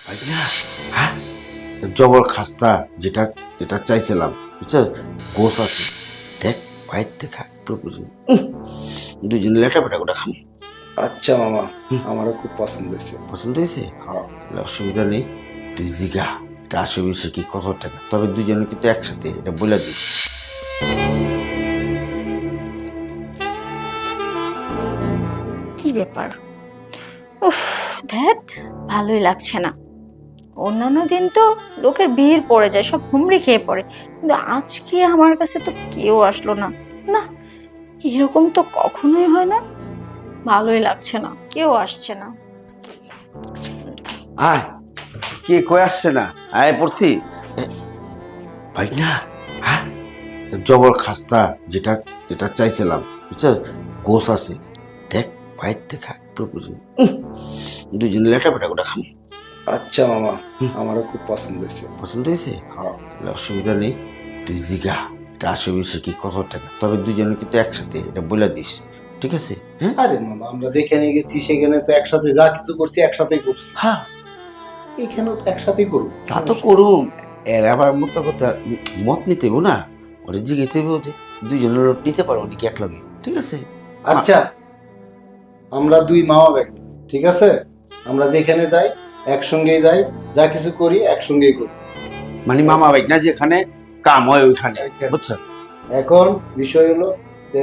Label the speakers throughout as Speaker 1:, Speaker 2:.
Speaker 1: ভাই না, হ্যাঁ, জবর খাস্তা যেটা যেটা চাইছিলাম, বুঝছো? গোস আছে, দেখ বাইর দেখা প্রয়োজন, দুজনে লেটা পেটা করে খাম।
Speaker 2: আচ্ছা মামা, আমারও খুব পছন্দ হয়েছে।
Speaker 1: পছন্দ হয়েছে?
Speaker 2: হ্যাঁ।
Speaker 1: তাহলে অসুবিধা নেই, তুই জিগা এটা আশেপাশে কি কত টাকা, তবে দুজনে কিন্তু একসাথে এটা বলে দিস।
Speaker 3: কি ব্যাপার? উফ, ধ্যাত, ভালোই লাগছে না। অন্যান্য দিন তো লোকের ভিড় পড়ে যায়, সব হুমড়ি খেয়ে পড়ে, কিন্তু আজকে আমার কাছে তো কেউ আসলো না। না, এরকম তো কখনোই হয় না। ভালোই লাগছে না, কেউ আসছে না।
Speaker 1: আয়, কে কয়ে আসছে না? আয় পড়ছি। ভাই না, হ্যাঁ, জবর খাস্তা যেটা যেটা চাইছিলাম, বুঝছো? গোস আছে, দেখ বাইর দেখা প্রয়োজন, দুজনে লেটা পেটা করে খাম।
Speaker 2: আচ্ছা মামা, আমারও খুব পছন্দ হয়েছে।
Speaker 1: পছন্দ হয়েছে?
Speaker 2: হ্যাঁ।
Speaker 1: তাহলে অসুবিধা নেই, তুই জিগা এটা আশেপাশে কি কত টাকা, তবে দুজনে কিন্তু একসাথে এটা বলে দিস, ঠিক আছে? হ্যাঁ
Speaker 2: আরে মামা, আমরা যেখানে গেছি সেখানে তো একসাথে যা কিছু করছি একসাথেই করছি,
Speaker 1: হ্যাঁ,
Speaker 2: এখানেও তো একসাথেই করবো।
Speaker 1: তা তো করুম। এর আবার মতো কথা মত নিতে হইব না, ওরে জিগেতে হইব যে দুজনের লোট নিতে পারবো নাকি এক লগে, ঠিক আছে?
Speaker 2: আচ্ছা, আমরা দুই মামা ব্যাগ, ঠিক আছে? আমরা যেখানে যাই একসঙ্গেই যাই, যা কিছু করি একসঙ্গেই করি।
Speaker 1: মানে মামা ভাই না, যেখানে কাম হয় ওইখানে,
Speaker 2: ওইখানে।
Speaker 1: বুঝছো?
Speaker 2: এখন বিষয় হলো যে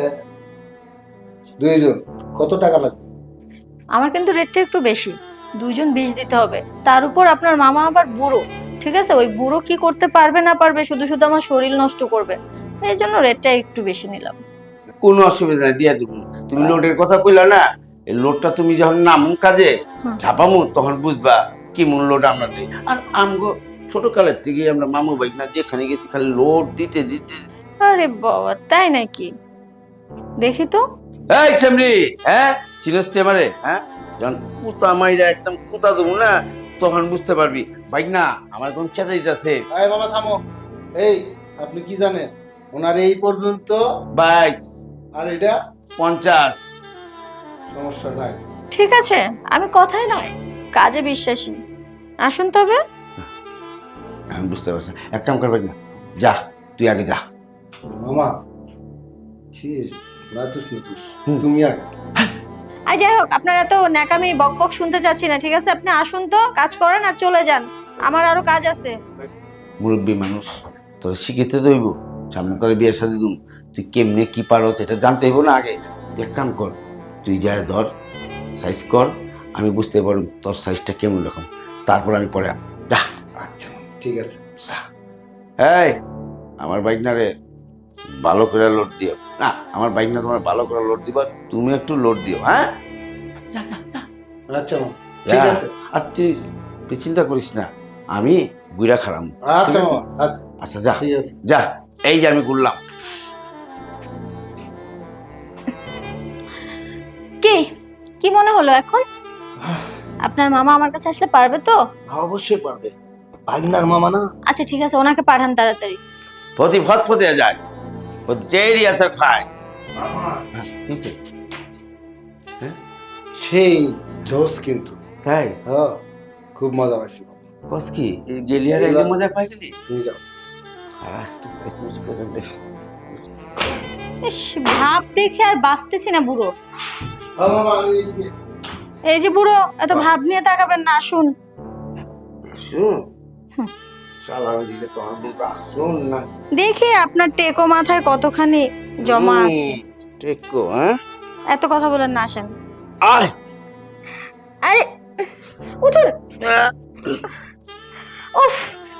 Speaker 2: দুইজন কত টাকা লাগবে?
Speaker 3: আমার কিন্তু রেটটা একটু বেশি, 2 জন 20 দিতে হবে। তার উপর আপনার মামা আবার বুড়ো, ঠিক আছে? ওই বুড়ো কি করতে পারবে না পারবে, শুধু শুধু আমার শরীর নষ্ট করবে, এই জন্য রেটটা একটু বেশি নিলাম।
Speaker 1: কোনো অসুবিধা নাই, দিয়া দিব। তুমি লোডের কথা কইলা না, এই লোডটা তুমি যখন নামুন কাজে
Speaker 3: হুম।
Speaker 1: ঝাপামু তখন বুঝবা কি মূল লোড আমরা দিই। আর আমগো ছোট কালের থেকে আমরা মামু ভাই না যেখানে গেছি খালি লোড দিতে দিতে।
Speaker 3: আরে বাবা, তাই নাকি? দেখি তো।
Speaker 1: এই ছেমরি, হ্যাঁ, চিনস তুই আমারে? হ্যাঁ, যখন কুতা মাইরা একদম কুতা দেবো না, তখন বুঝতে পারবি ভাই না আমার কোন চেতা দিতেছে।
Speaker 2: আরে মামা থামো। এই, আপনি কি জানেন ওনার এই পর্যন্ত
Speaker 1: 22,
Speaker 2: আর এটা
Speaker 1: 50।
Speaker 2: সমস্যা নাই।
Speaker 3: ঠিক আছে, আমি কথাই নয় কাজে বিশ্বাসী। আসুন তবে।
Speaker 1: আমি বুঝতে পারছি, এক কাম করবে না, যা তুই আগে যা।
Speaker 2: মামা ছিস রাতুস নিতুস,
Speaker 1: হুম।
Speaker 2: তুমি আগে।
Speaker 3: আর যাই হোক, আপনার এত ন্যাকামি বক বক শুনতে চাচ্ছি না, ঠিক আছে? আপনি আসুন তো, কাজ করেন আর চলে যান, আমার আরো কাজ আছে।
Speaker 1: মুরব্বী মানুষ, তোর শিখিতে দইব, সামনে তোর বিয়ের সাথে দুম, তুই কেমনে কি পারো সেটা জানতে হইব না আগে। তুই এক কাম কর, তুই যা ধর সাইজ কর, আমি বুঝতে পারব তোর সাইজটা কেমন রকম, তারপর আমি পরে যা।
Speaker 2: আচ্ছা ঠিক আছে।
Speaker 1: যা। এই, আমার বাইক না রে ভালো করে লোড দিও না, আমার বাইক না তোমার ভালো করে লোড দিবা, তুমি একটু লোড দিও, হ্যাঁ? যা যা যা।
Speaker 2: আচ্ছা মামা, ঠিক
Speaker 1: যা।
Speaker 2: আছে।
Speaker 1: আর তুই চিন্তা করিস না, আমি গুইরা খারাম।
Speaker 2: আচ্ছা
Speaker 1: ঠিক আছে?
Speaker 2: মামা, আচ্ছা
Speaker 1: আচ্ছা যা
Speaker 2: ঠিক আছে।
Speaker 1: যা, এই যে আমি ঘুরলাম।
Speaker 3: কি কি মনে হলো এখন? আপনার মামা আমার কাছে আসলে পারবে তো?
Speaker 2: অবশ্যই পারবে, ভাগনার মামা না।
Speaker 3: আচ্ছা ঠিক আছে, ওনাকে পাঠান তাড়াতাড়ি।
Speaker 1: প্রতি ভত ফতে যায়, প্রতি টেরি আছে খায়।
Speaker 2: মামা
Speaker 1: হ্যাঁ, বুঝছে? হ্যাঁ,
Speaker 2: সেই জোস কিন্তু।
Speaker 1: তাই
Speaker 2: হ্যাঁ, খুব মজা পাইছি।
Speaker 1: কস কি এই গেলিয়ার এলে মজা পাই গেলি?
Speaker 2: তুমি যাও।
Speaker 1: হ্যাঁ, একটু সাইজ মুজ করে দে।
Speaker 3: ইস, ভাব দেখে আর বাঁচতেছি না বুড়ো।
Speaker 2: হ্যাঁ মামা, আমি এদিকে।
Speaker 3: এই যে বুড়ো, এত ভাব নিয়ে তাকাবেন না, আসুন।
Speaker 1: শুন, চালান দিলে তো আমি শুন না।
Speaker 3: দেখি আপনার টেকো মাথায় কতখানি জমা আছে।
Speaker 1: টেকো, হ্যাঁ,
Speaker 3: এত কথা বলেন না, আসেন।
Speaker 1: আয়।
Speaker 3: আরে উঠুন। উফ,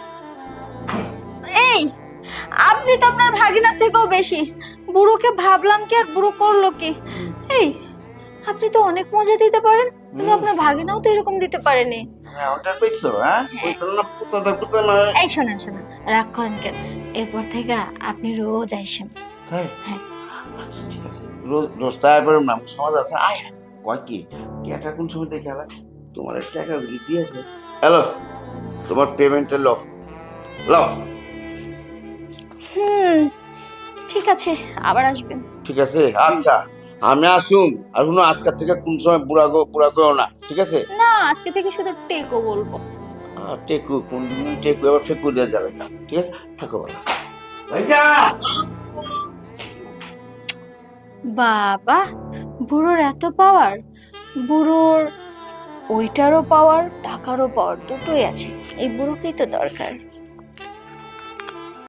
Speaker 3: এই, আপনি তো আপনার ভাগিনার থেকেও বেশি। বুড়োকে ভাবলাম কি আর বুড়ো করলো কি? এই, আপনি তো অনেক মজা দিতে পারেন, কিন্তু আপনার ভাগিনাও তো এরকম দিতে পারেনি।
Speaker 1: হ্যাঁ, ওটা পেয়েছো, হ্যাঁ, পেয়েছো না, পুতা না।
Speaker 3: এই শোনেন শোনেন, রাগ করেন কেন? এরপর থেকে আপনি রোজ আইসেন।
Speaker 1: তাই?
Speaker 3: হ্যাঁ।
Speaker 1: আচ্ছা ঠিক আছে, রোজ রোজ তাই পারলাম না, সমাজ আছে। আয়, কয় কি টাকা কোন সময় দেখে আলা, তোমার টাকা দিয়েছে। হ্যালো, তোমার পেমেন্টে লো লো।
Speaker 3: ঠিক আছে, আবার আসবেন।
Speaker 1: ঠিক আছে, আচ্ছা আমি আসুন। আর শুনো, আজকের থেকে কোন সময় বুড়া গো না, ঠিক আছে?
Speaker 3: না, আজকে থেকে শুধু টেকো বলবো।
Speaker 1: টেকু কোন টেকু আবার ফেকু দেওয়া যাবে না, ঠিক আছে? থাকো ভালো। ভাইটা
Speaker 3: বাবা, বুড়োর এত পাওয়ার! বুড়োর ওইটারও পাওয়ার, টাকারও পাওয়ার, দুটোই আছে। এই বুড়োকেই তো দরকার।